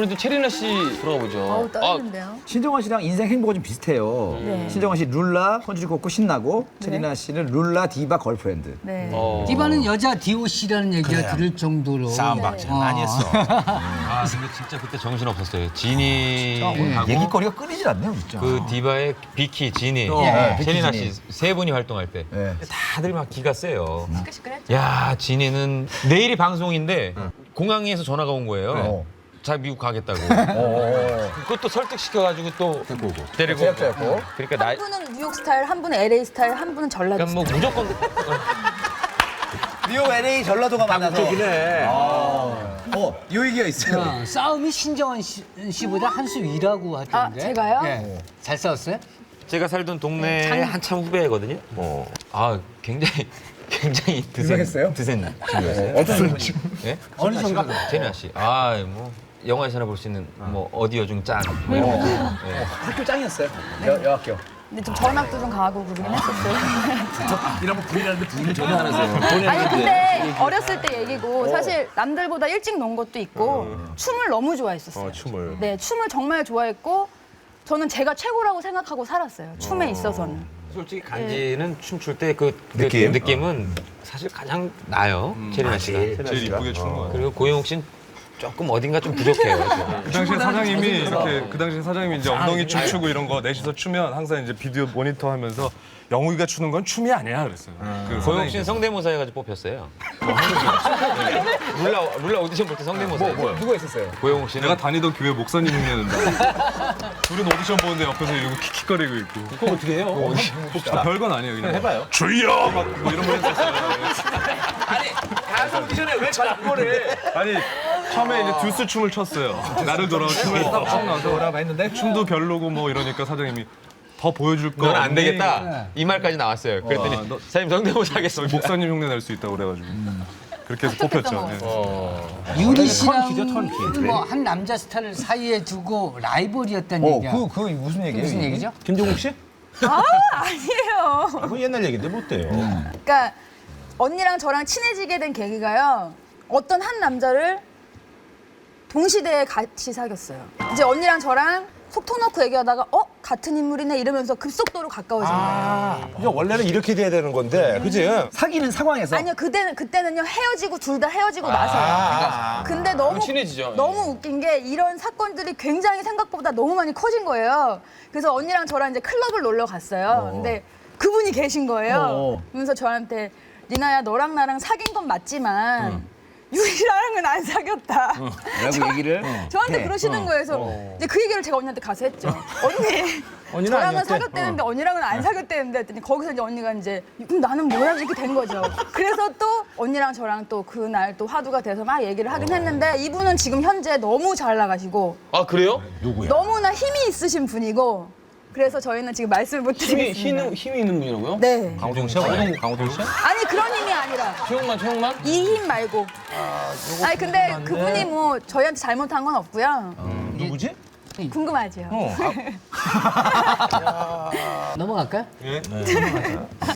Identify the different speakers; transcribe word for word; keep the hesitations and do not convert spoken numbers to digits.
Speaker 1: 이번에도 체리나 씨 들어가 보죠.
Speaker 2: 어우, 떨리는데요.
Speaker 3: 신정원 씨랑 인생 행보가 좀 비슷해요.
Speaker 2: 네.
Speaker 3: 신정원 씨 룰라, 헌주리 걷고 신나고, 체리나 씨는 룰라, 디바, 걸프렌드.
Speaker 2: 네.
Speaker 1: 어.
Speaker 4: 디바는 여자 디오씨라는 얘기가
Speaker 5: 그래요.
Speaker 4: 들을 정도로
Speaker 5: 싸움 박자
Speaker 4: 어.
Speaker 5: 많이 했어.
Speaker 1: 아 근데 진짜 그때 정신 없었어요. 지니하고
Speaker 3: 얘기거리가 끊이질 않네요, 진짜.
Speaker 1: 그 디바의 비키, 지니,
Speaker 3: 네,
Speaker 1: 체리나
Speaker 3: 비키,
Speaker 1: 씨 세 분이 활동할 때
Speaker 3: 네.
Speaker 1: 다들 막 기가 세요.
Speaker 2: 시끌시끌했죠.
Speaker 1: 야 지니는 내일이 방송인데 공항에서 전화가 온 거예요.
Speaker 3: 어.
Speaker 1: 자 미국 가겠다고.
Speaker 3: 어.
Speaker 1: 그것도 설득시켜가지고 또 데리고 오고. 데리고 오고.
Speaker 3: 제작자였고.
Speaker 1: 그러니까 나
Speaker 2: 한 분은 뉴욕 스타일, 한 분은 엘에이 스타일, 한 분은 전라도
Speaker 1: 그러니까 뭐 무조건
Speaker 3: 뉴욕, 엘에이, 전라도가 만나서.
Speaker 5: 저기네.
Speaker 3: 어, 이 얘기가 있어요.
Speaker 4: 어, 싸움이 신정원 씨, 씨보다 한 수 위라고 하던데.
Speaker 2: 아, 제가요?
Speaker 4: 예. 잘 싸웠어요?
Speaker 1: 제가 살던 동네
Speaker 2: 장-
Speaker 1: 한참 후배거든요. 어. 아 굉장히 굉장히 드센
Speaker 3: 유명했어요?
Speaker 1: 드센 친구였어요.
Speaker 3: 어떤
Speaker 1: 예?
Speaker 4: 어느 정도?
Speaker 1: 제니아 씨. 아 뭐 영화에서나 볼 수 있는 뭐 어디여 중 짠. 뭐 이런 거. 예.
Speaker 3: 학교 짱이었어요. 여, 여학교.
Speaker 2: 근데 좀 전학도 좀 가고 그러긴 했었어요.
Speaker 3: 이러면 부인하는데 부인을 전혀 안 하세요.
Speaker 2: 아니 근데 어렸을 때 얘기고 사실 남들보다 일찍 논 것도 있고 춤을 너무 좋아했었어요.
Speaker 5: 어, 춤을.
Speaker 2: 네, 춤을 정말 좋아했고 저는 제가 최고라고 생각하고 살았어요. 춤에 있어서는.
Speaker 1: 솔직히 간지는 춤출 때 그
Speaker 5: 느낌?
Speaker 1: 느낌은 사실 가장 나요. 체리나 씨가.
Speaker 6: 제일 이쁘게 추는 거 같아요.
Speaker 1: 그리고 고영욱 씨는 조금 어딘가 좀 부족해요.
Speaker 6: 그 당시에 사장님이 이렇게 그 당시에 사장님이 이제 엉덩이 춤 추고 이런 거 넷이서 추면 항상 이제 비디오 모니터 하면서 영욱이가 추는 건 춤이 아니야 그랬어요. 그
Speaker 1: 고영욱 씨는 성대모사 해가지고 뽑혔어요. 룰라 룰라 오디션 볼 때 성대모사. 뭐, 뭐요?
Speaker 3: 누가 있었어요?
Speaker 1: 고영욱 씨는
Speaker 6: 내가 다니던 교회 목사님 흉내낸다. 둘은 오디션 보는데 옆에서 이러고 킥킥거리고 있고.
Speaker 5: 그거 어떻게 해요?
Speaker 6: 아, 별건 아니에요 그냥.
Speaker 5: 해봐요.
Speaker 6: 주여! 막 이런 거 했었어요.
Speaker 5: 가수 오디션에 왜 자꾸 그래?
Speaker 6: 아니 처음에 이제 듀스 춤을 췄어요. 나를 돌아와 춤을 딱 춰 나서
Speaker 3: 뭐라고 했는데?
Speaker 6: 춤도 별로고 뭐 이러니까 사장님이 더 보여줄 거
Speaker 1: 넌 안
Speaker 6: 없니?
Speaker 1: 되겠다. 이 말까지 나왔어요. 그랬더니
Speaker 6: 어, 너-
Speaker 1: 사장님 성대모사 하겠습니다.
Speaker 6: 목사님 흉내 낼 수 있다고 그래가지고 그렇게 해서 뽑혔죠. 네.
Speaker 4: 유리
Speaker 5: 턴키죠,
Speaker 4: 씨랑
Speaker 5: 턴키.
Speaker 4: 뭐한 남자 스타를 사이에 두고 라이벌이었다는
Speaker 3: 어,
Speaker 4: 얘기야.
Speaker 3: 그, 그 무슨 얘기예요?
Speaker 4: 무슨
Speaker 3: 이게?
Speaker 4: 얘기죠?
Speaker 5: 김종국 씨?
Speaker 2: 아, 아니에요.
Speaker 5: 아, 그건 옛날 얘기인데 못 돼요.
Speaker 2: 그러니까 언니랑 저랑 친해지게 된 계기가요. 어떤 한 남자를 동시대에 같이 사귀었어요. 이제 언니랑 저랑 속 터놓고 얘기하다가 어? 같은 인물이네 이러면서 급속도로 가까워진 거예요.
Speaker 5: 아, 이게 원래는 이렇게 돼야 되는 건데, 그지?
Speaker 3: 사귀는 상황에서.
Speaker 2: 아니요, 그때는 그때는요 헤어지고 둘 다 헤어지고
Speaker 5: 아.
Speaker 2: 나서요. 근데 너무
Speaker 1: 친해지죠.
Speaker 2: 너무 웃긴 게 이런 사건들이 굉장히 생각보다 너무 많이 커진 거예요. 그래서 언니랑 저랑 이제 클럽을 놀러 갔어요. 근데 그분이 계신 거예요.
Speaker 3: 어.
Speaker 2: 그러면서 저한테 리나야 너랑 나랑 사귄 건 맞지만 유리랑은 안 사귀었다.
Speaker 3: 라고 얘기를.
Speaker 2: 저한테
Speaker 3: 해.
Speaker 2: 그러시는 거예요. 그래서 이제 그 얘기를 제가 언니한테 가서 했죠. 언니,
Speaker 5: 언니는
Speaker 2: 저랑은
Speaker 5: 아니었대?
Speaker 2: 사귀었대는데 언니랑은 안 사귀었대는데 했더니 거기서 이제 언니가 이제 그럼 나는 뭐야 이렇게 된 거죠. 그래서 또 언니랑 저랑 또 그날 또 화두가 돼서 막 얘기를 하긴 했는데 이분은 지금 현재 너무 잘 나가시고
Speaker 1: 아 그래요?
Speaker 2: 너무나 힘이 있으신 분이고 그래서 저희는 지금 말씀을 못
Speaker 1: 힘이
Speaker 2: 드리겠습니다.
Speaker 1: 힘이, 힘이 있는 분이라고요?
Speaker 2: 네.
Speaker 1: 강호동 씨? 강호동 강호동 씨?
Speaker 2: 아니 그런 힘이 아니라
Speaker 1: 최홍만 최홍만?
Speaker 2: 이 힘 말고. 아니 근데 그분이 뭐 저희한테 잘못한 건 없고요.
Speaker 5: 누구지?
Speaker 2: 궁금하죠.
Speaker 4: 넘어갈까요?